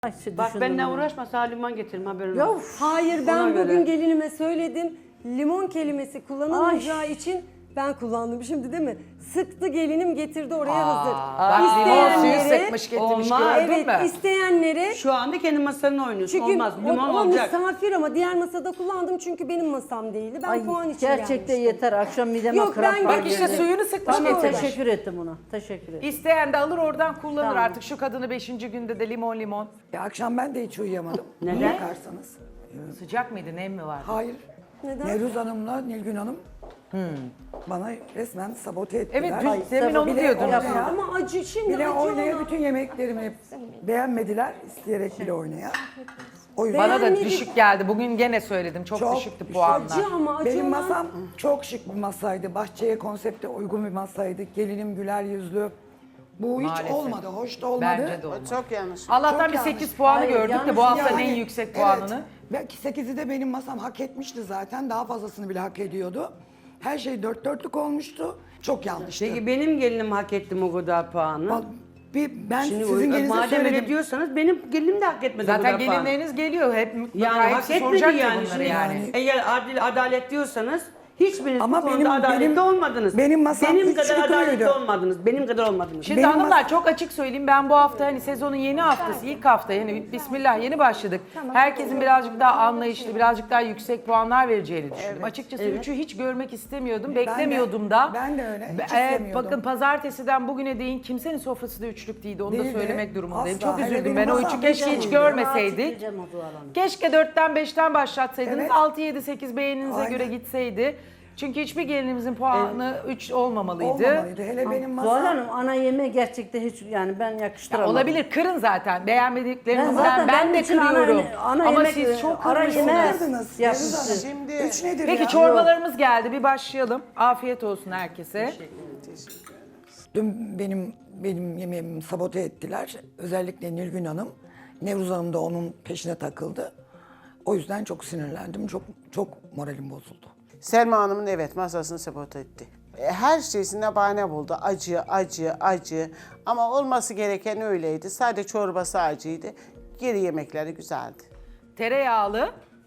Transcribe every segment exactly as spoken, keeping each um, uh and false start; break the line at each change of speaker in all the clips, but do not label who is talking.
Ay,
Bak benimle uğraşma, sana limon getirme haberin
Ya,
olsun.
Hayır ben
Ona
bugün
göre.
gelinime söyledim. Limon kelimesi kullanılmayacağı için ben kullandım şimdi değil mi? Sıktı gelinim getirdi oraya hazır.
Bak limon suyu
İsteyenlere-
sıkmış getirmiş
Olmaz.
gördün
Evet
mü?
isteyenlere
Şu anda kendi masanı oynuyorsun.
çünkü
Olmaz,
o,
limon
o
olacak.
misafir ama diğer masada kullandım çünkü benim masam değildi. Ben
Ay,
puan için
gerçekten
gelmiştim.
yeter. Akşam mideme
Yok,
kramp
ben-
var.
Bak işte
dedi.
suyunu sıkmış
Tamam,
getirmiş.
teşekkür ettim ona. Teşekkür ederim.
İsteyen de alır oradan kullanır
Tamam.
artık şu kadını beşinci günde de limon limon.
Ya akşam ben de hiç uyuyamadım.
Neden?
Bakarsanız.
Sıcak mıydı nem mi vardı?
Hayır.
Neden?
Nevruz Hanım'la Nilgün Hanım bana resmen sabote ettiler.
Evet dün demin
tabii
onu
bile
diyordunuz.
oynaya-
Ama acı şimdi
Bile
acı
oynaya
ona.
bütün yemeklerimi beğenmediler. İsteyerek bile oynaya. O yüzden
Bana da
Beğenmedik.
düşük geldi. Bugün gene söyledim. Çok,
Çok
düşüktü
düşük.
puanlar.
Acı ama acı
benim
olan-
masam çok şık bir masaydı. Bahçeye, konsepte uygun bir masaydı. Gelinim güler yüzlü. Bu hiç
Maalesef.
olmadı, hoş da olmadı.
Bence de olmadı.
Çok yanlış.
Allah'tan
Çok
bir
yanlış.
sekiz puanı
Hayır,
gördük de
yanlış
bu haftanın
Yani,
en yüksek
evet.
puanını.
Belki sekizi de benim masam hak etmişti zaten. Daha fazlasını bile hak ediyordu. Her şey dört dörtlük olmuştu. Çok yanlıştı.
Peki benim gelinim hak etti mi o kadar puanı?
Bak, bir, ben
Şimdi
sizin
o-
gelinize
madem öyle
söyledim.
diyorsanız benim gelinim de hak etmedi o
Zaten
kadar puanı.
gelinleriniz geliyor. Hep mutlaka
Yani hak
hepsi
etmedi
soracaktır
yani.
bunları
Şimdi
yani.
Eğer adil, adalet diyorsanız hiçbiriniz
Ama
bu konuda
benim-
adaletli
benim-
olmadınız.
benim masam
benim
üç
kadar
yukarıydı.
adaletli olmadınız. Benim kadar olmadınız.
Şimdi
Benim
hanımlar
mas-
çok açık söyleyeyim, ben bu hafta hani sezonun yeni haftası, ilk hafta yani bismillah yeni başladık. Herkesin birazcık daha anlayışlı, birazcık daha yüksek puanlar vereceğini düşündüm. Açıkçası üçü hiç görmek istemiyordum, beklemiyordum da.
ben de öyle, hiç
Ee,
istemiyordum.
bakın pazartesiden bugüne değin kimsenin sofrası da üçlük değildi, onu da
Değildi.
söylemek durumundayım.
Asla.
Çok
Hele
üzüldüm
benim
ben o
masam
üçü keşke hiç
değildi.
görmeseydik.
Diyeceğim o Zuhal Hanım.
Keşke dörtten beşten başlatsaydınız,
Evet.
altı yedi sekiz beğeninize
Aynen.
göre gitseydi. Çünkü hiçbir gelinimizin puanı üç olmamalıydı.
Olmamalıydı. Hele benim masam.
Zuhal Hanım ana yemeği gerçekten hiç yani ben
Ya
yakıştıramadım.
olabilir, kırın zaten.
Ben
Beğenmediklerinizden
zaten
ben,
benim
de
için ana-
kırıyorum.
ana
Ama
yemek,
siz çok
ara
kırmışsınız.
yemeğe
Kırdınız.
yapmışsın.
Şimdi
Üç nedir
Peki
ya?
çorbalarımız geldi, bir başlayalım. Afiyet olsun herkese.
Dün benim benim yemeğimi sabote ettiler. Özellikle Nilgün Hanım. Nevruz Hanım da onun peşine takıldı. O yüzden çok sinirlendim. Çok çok moralim bozuldu.
Selma Hanım'ın evet masasını sabote etti. E, Her şeysine bahane buldu. Acı, acı, acı. Ama olması gereken öyleydi. Sadece çorbası acıydı. Geri yemekleri güzeldi.
Tereyağlı.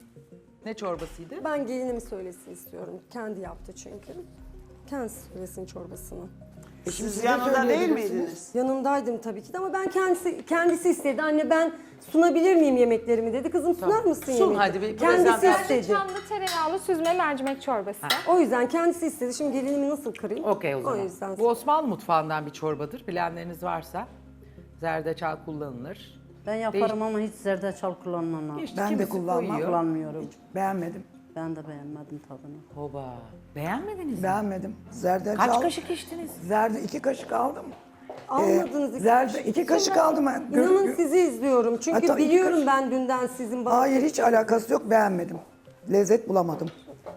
Ne çorbasıydı?
Ben gelinimi söylesin istiyorum. Kendi yaptı çünkü. Kendisi söylesin çorbasını.
E şimdi
Siz
siz de
yanında değil
söyleyebilirsiniz.
miydiniz?
Yanımdaydım tabii ki de ama ben kendisi kendisi istedi. Anne ben sunabilir miyim yemeklerimi dedi. Kızım sunar mısın
Sun
yemeği?
hadi bir
Kendisi
prezentasyon.
istedi.
Çamlı tereyağlı süzme mercimek çorbası.
O yüzden kendisi istedi. Şimdi gelinimi nasıl kırayım?
Okey o zaman.
O yüzden.
Bu Osmanlı mutfağından bir çorbadır. Bilenleriniz varsa zerdeçal kullanılır.
Ben yaparım ama hiç zerdeçal kullanmam lazım.
İşte
Ben de
kimisi
kullanmam.
koyuyor.
Kullanmıyorum.
Beğenmedim.
Ben de beğenmedim tadını.
Hoba. Beğenmediniz mi?
Beğenmedim. Zerdeçal.
Kaç kaşık içtiniz?
Zerde iki kaşık aldım.
Almadınız iki
Zerde
kaşık.
iki kaşık aldım. ben. Gör-
İnanın
gör-
sizi izliyorum. Çünkü
Hatta iki
biliyorum
kaşık-
ben dünden sizin bana...
Hayır hiç alakası yok. Beğenmedim. Lezzet bulamadım.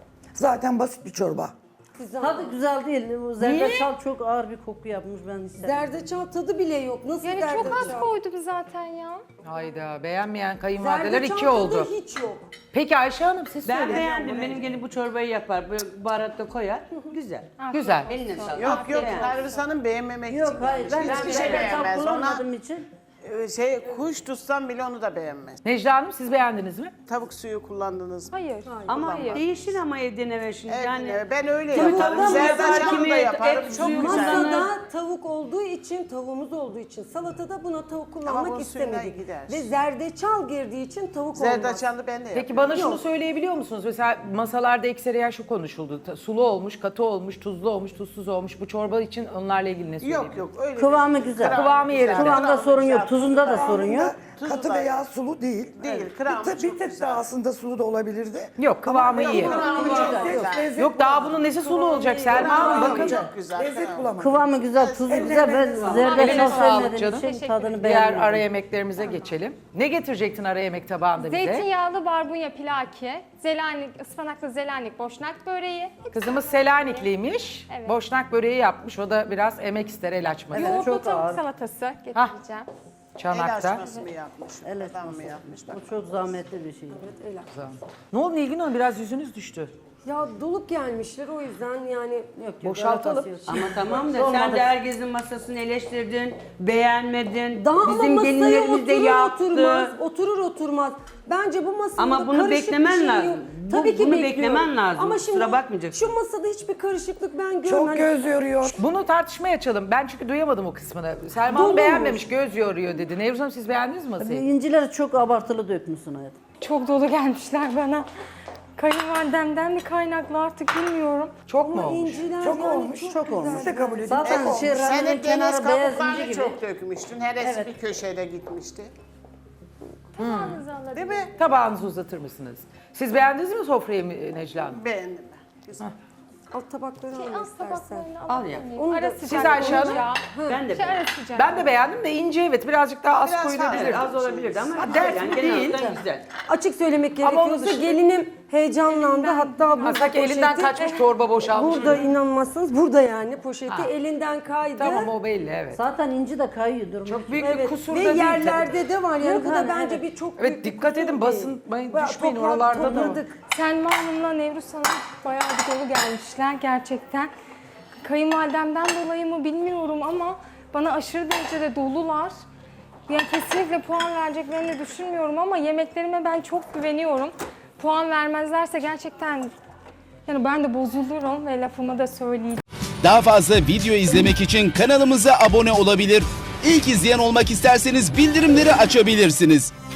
Zaten basit bir çorba.
Tadı güzel değil. Bu zerdeçal çok ağır bir koku yapmış ben istedim.
Zerdeçal tadı bile yok. Nasıl
Yani
zerdeçal?
çok az koydum zaten ya.
Hayda, beğenmeyen kayınvalideler
Zerdeçal
iki
tadı
oldu.
hiç yok.
Peki Ayşe Hanım siz
Ben
söyleyin.
beğendim. Benim gelin bu çorbayı yapar. Böyle baharat da koyar. Güzel.
Güzel.
Eline sağlık.
Yok yok
Beğendim.
Perviz Hanım beğenmemek
Yok
için.
hayır ben
Hiçbir şey
zerdeçal
beğenmez. Ona
kullanmadığım için.
e, şey, kuş tutsam bile onu da beğenmez.
Necla Hanım siz beğendiniz mi?
Tavuk suyu kullandınız mı?
Hayır.
Ama
Hayır.
değişir ama evden eve şimdi.
Evet,
yani
evet, ben öyle
Kimi
yaparım.
tavuk
Zerdeçalı
kimi
da
et-
yaparım.
et
Çok
suyu
güzel.
kullanır.
Masada tavuk olduğu için, tavuğumuz olduğu için salatada buna tavuk kullanmak
bu suyuna
istemedik.
gider.
Ve zerdeçal girdiği için tavuk olmaz.
Zerdeçalı ben de yaparım.
Peki bana şunu söyleyebiliyor musunuz? Mesela masalarda ekseriyen şu konuşuldu. Ta- Sulu olmuş, katı olmuş, tuzlu olmuş, tuzsuz olmuş. Bu çorba için onlarla ilgili ne söyleyebilirsiniz?
Yok yok öyle.
Kıvamı
bir-
güzel.
Kıvamı yerinde.
Kıvamda
Kıvamı
sorun yok.
güzel.
Tuzunda da sorun yok.
Tuzu
Katı
da-
veya sulu değil.
Değil,
Bir,
kıvamı
tık- bir
çok
tık
güzel.
daha aslında sulu da olabilirdi.
Yok, kıvamı iyi.
Kıvamı çok güzel.
Lezzet
Yok daha bunun nesi sulu olacak Selma Hanım bakın.
Çok güzel.
Lezzet bulamadım.
Kıvamı güzel, tuzu güzel. Ben
Eline
zerdeçal
sağlık
sevmediğim
canım.
için tadını
Diğer
beğenmedim.
ara yemeklerimize geçelim. Ne getirecektin ara yemek tabağında bize?
Zeytinyağlı barbunya pilaki, zelanik, ıspanaklı zelanik boşnak böreği.
Kızımız Selanikliymiş.
Evet.
Boşnak böreği yapmış. O da biraz emek ister el açması.
Yoğurtlu
çok
tavuk
ağır.
salatası getireceğim.
El
Çanakta.
açması mı yapmış?
El
Adam mı
açması.
yapmış? Bak.
Bu çok zahmetli bir şey.
Ne oldu Nilgün Hanım? Biraz yüzünüz düştü.
Ya dolup gelmişler o yüzden yani.
Yok, yok,
Boşaltalım.
alakası yok.
Ama tamam da
Olmadı.
sen de herkesin masasını eleştirdin, beğenmedin.
Daha ama
Bizim
masaya
gelinlerimiz de
oturur
yaptı.
oturmaz, oturur oturmaz. Bence bu masada
Ama bunu
karışık
beklemen
bir şey
lazım.
yok.
Bu-
Tabii ki
bunu
bekliyorum.
beklemen lazım.
Ama şimdi
Kusura bakmayacaksın.
şu masada hiçbir karışıklık ben görmedim.
Çok
Hani
göz yoruyor.
Bunu tartışmaya açalım. Ben çünkü duyamadım o kısmını. Selma
Dolu
Hanım
mu?
beğenmemiş, göz yoruyor dedi. Nevruz Hanım siz beğendiniz mi masayı?
İncileri çok abartılı dökmüşsün hayatım.
Çok dolu gelmişler bana. Kayınvalidemden mi kaynaklı artık bilmiyorum.
Çok mu
Ama
olmuş?
inciler
Çok
yani
olmuş.
çok,
Çok
güzel.
olmuş.
Siz de kabul edin.
Zaten
Çok
şey
olmuş.
ramenin
Senin deniz
kenarı beyaz inci
kabuklarını
gibi.
çok dökmüştün. Heresi
Evet.
bir köşede gitmişti.
Tabağınızı alabilirim.
Değil mi?
Tabağınızı uzatır mısınız? Siz beğendiniz mi sofrayı mı Necla Hanım?
Beğendim ben. Güzel.
Alt tabakları
Şey,
al
alt
istersen.
tabaklarını
Al ya.
alabilir miyim?
Onu da-
Ara
Siz
sıcak
Ayşe Hanım?
olunca.
Ben de
Şey, ara
beğendim.
sıcak.
Ben de beğendim de ince evet birazcık daha az
Biraz
koyulabilir.
Evet, az olabilirdi ama
Ha,
güzel
dert
yani
mi
genel
değil.
olarak güzel.
Açık söylemek
Ama onun
gerekiyorsa
dışında-
gelinim heyecanlandı. Hatta bu
Ha, sanki elinden
poşeti-
kaçmış çorba boşalmış.
Burada inanmazsınız. Burada yani poşeti
Ha.
elinden kaydı.
Tamam o belli evet.
Zaten inci de kayıyor durmuş.
Çok büyük bir
Evet.
kusur
Ve
da değil
yerlerde
tabii.
de var yani
Yok,
bu da
hani,
bence
evet.
bir çok
Evet,
büyük bir
dikkat
kusur
edin,
değil.
basmayın,
Bak,
düşmeyin,
topla-
oralarda da var.
topladık.
Selma Hanım'la Nevruz Hanım bayağı bir dolu gelmişler gerçekten. Kayınvalidemden dolayı mı bilmiyorum ama bana aşırı derecede dolular. Yani kesinlikle puan vereceklerini düşünmüyorum ama yemeklerime ben çok güveniyorum. Puan vermezlerse gerçekten yani ben de bozulurum ve lafımı da söyleyeceğim.
Daha fazla video izlemek için kanalımıza abone olabilir. İlk izleyen olmak isterseniz bildirimleri açabilirsiniz.